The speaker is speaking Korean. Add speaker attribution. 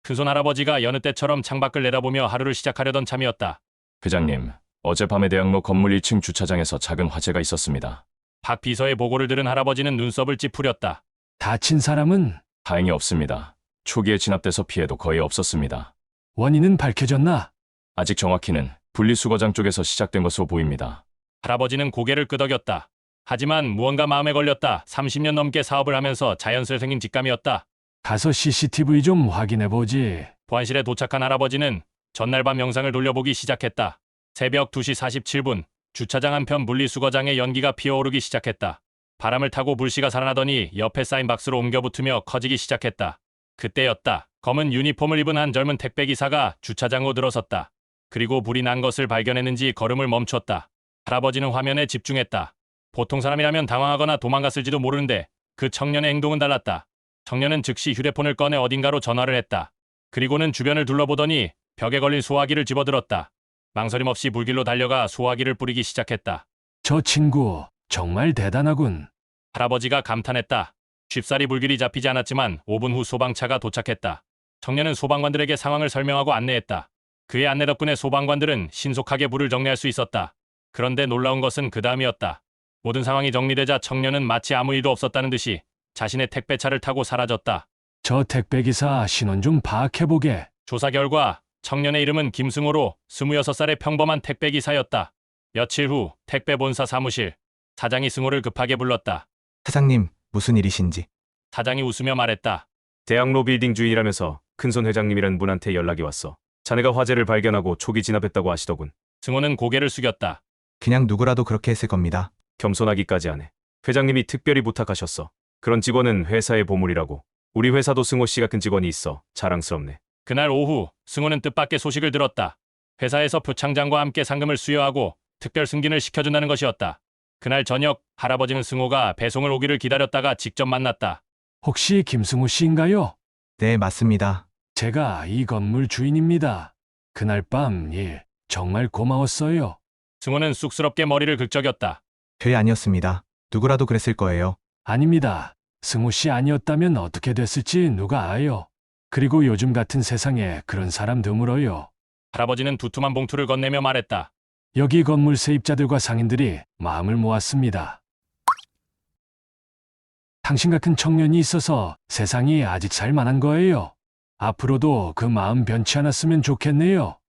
Speaker 1: 큰손 할아버지가 여느 때처럼 창밖을 내다보며 하루를 시작하려던 참이었다.
Speaker 2: 회장님, 어젯밤에 대학로 건물 1층 주차장에서 작은 화재가 있었습니다.
Speaker 1: 박 비서의 보고를 들은 할아버지는 눈썹을 찌푸렸다.
Speaker 3: 다친 사람은?
Speaker 2: 다행히 없습니다. 초기에 진압돼서 피해도 거의 없었습니다.
Speaker 3: 원인은 밝혀졌나?
Speaker 2: 아직 정확히는 분리수거장 쪽에서 시작된 것으로 보입니다.
Speaker 1: 할아버지는 고개를 끄덕였다. 하지만 무언가 마음에 걸렸다. 30년 넘게 사업을 하면서 자연스레 생긴 직감이었다.
Speaker 3: 가서 CCTV 좀 확인해보지.
Speaker 1: 보안실에 도착한 할아버지는 전날 밤 영상을 돌려보기 시작했다. 새벽 2시 47분, 주차장 한편 분리수거장에 연기가 피어오르기 시작했다. 바람을 타고 불씨가 살아나더니 옆에 쌓인 박스로 옮겨붙으며 커지기 시작했다. 그때였다. 검은 유니폼을 입은 한 젊은 택배기사가 주차장으로 들어섰다. 그리고 불이 난 것을 발견했는지 걸음을 멈췄다. 할아버지는 화면에 집중했다. 보통 사람이라면 당황하거나 도망갔을지도 모르는데 그 청년의 행동은 달랐다. 청년은 즉시 휴대폰을 꺼내 어딘가로 전화를 했다. 그리고는 주변을 둘러보더니 벽에 걸린 소화기를 집어들었다. 망설임 없이 불길로 달려가 소화기를 뿌리기 시작했다.
Speaker 3: 저 친구 정말 대단하군.
Speaker 1: 할아버지가 감탄했다. 쉽사리 불길이 잡히지 않았지만 5분 후 소방차가 도착했다. 청년은 소방관들에게 상황을 설명하고 안내했다. 그의 안내 덕분에 소방관들은 신속하게 불을 정리할 수 있었다. 그런데 놀라운 것은 그 다음이었다. 모든 상황이 정리되자 청년은 마치 아무 일도 없었다는 듯이 자신의 택배차를 타고 사라졌다.
Speaker 3: 저 택배기사 신원 좀 파악해보게.
Speaker 1: 조사 결과 청년의 이름은 김승호로 26살의 평범한 택배기사였다. 며칠 후 택배 본사 사무실. 사장이 승호를 급하게 불렀다.
Speaker 4: 사장님, 무슨 일이신지.
Speaker 1: 사장이 웃으며 말했다.
Speaker 5: 대학로 빌딩 주인이라면서 큰손 회장님이란 분한테 연락이 왔어. 자네가 화재를 발견하고 초기 진압했다고 하시더군.
Speaker 1: 승호는 고개를 숙였다.
Speaker 4: 그냥 누구라도 그렇게 했을 겁니다.
Speaker 5: 겸손하기까지 하네. 회장님이 특별히 부탁하셨어. 그런 직원은 회사의 보물이라고. 우리 회사도 승호 씨 같은 직원이 있어. 자랑스럽네.
Speaker 1: 그날 오후 승호는 뜻밖의 소식을 들었다. 회사에서 표창장과 함께 상금을 수여하고 특별 승진을 시켜준다는 것이었다. 그날 저녁 할아버지는 승호가 배송을 오기를 기다렸다가 직접 만났다.
Speaker 3: 혹시 김승우 씨인가요?
Speaker 4: 네, 맞습니다.
Speaker 3: 제가 이 건물 주인입니다. 그날 밤 일 정말 고마웠어요.
Speaker 1: 승호는 쑥스럽게 머리를 긁적였다.
Speaker 4: 별 아니었습니다. 누구라도 그랬을 거예요.
Speaker 3: 아닙니다. 승우 씨 아니었다면 어떻게 됐을지 누가 아요. 그리고 요즘 같은 세상에 그런 사람 드물어요.
Speaker 1: 할아버지는 두툼한 봉투를 건네며 말했다.
Speaker 3: 여기 건물 세입자들과 상인들이 마음을 모았습니다. 당신 같은 청년이 있어서 세상이 아직 살만한 거예요. 앞으로도 그 마음 변치 않았으면 좋겠네요.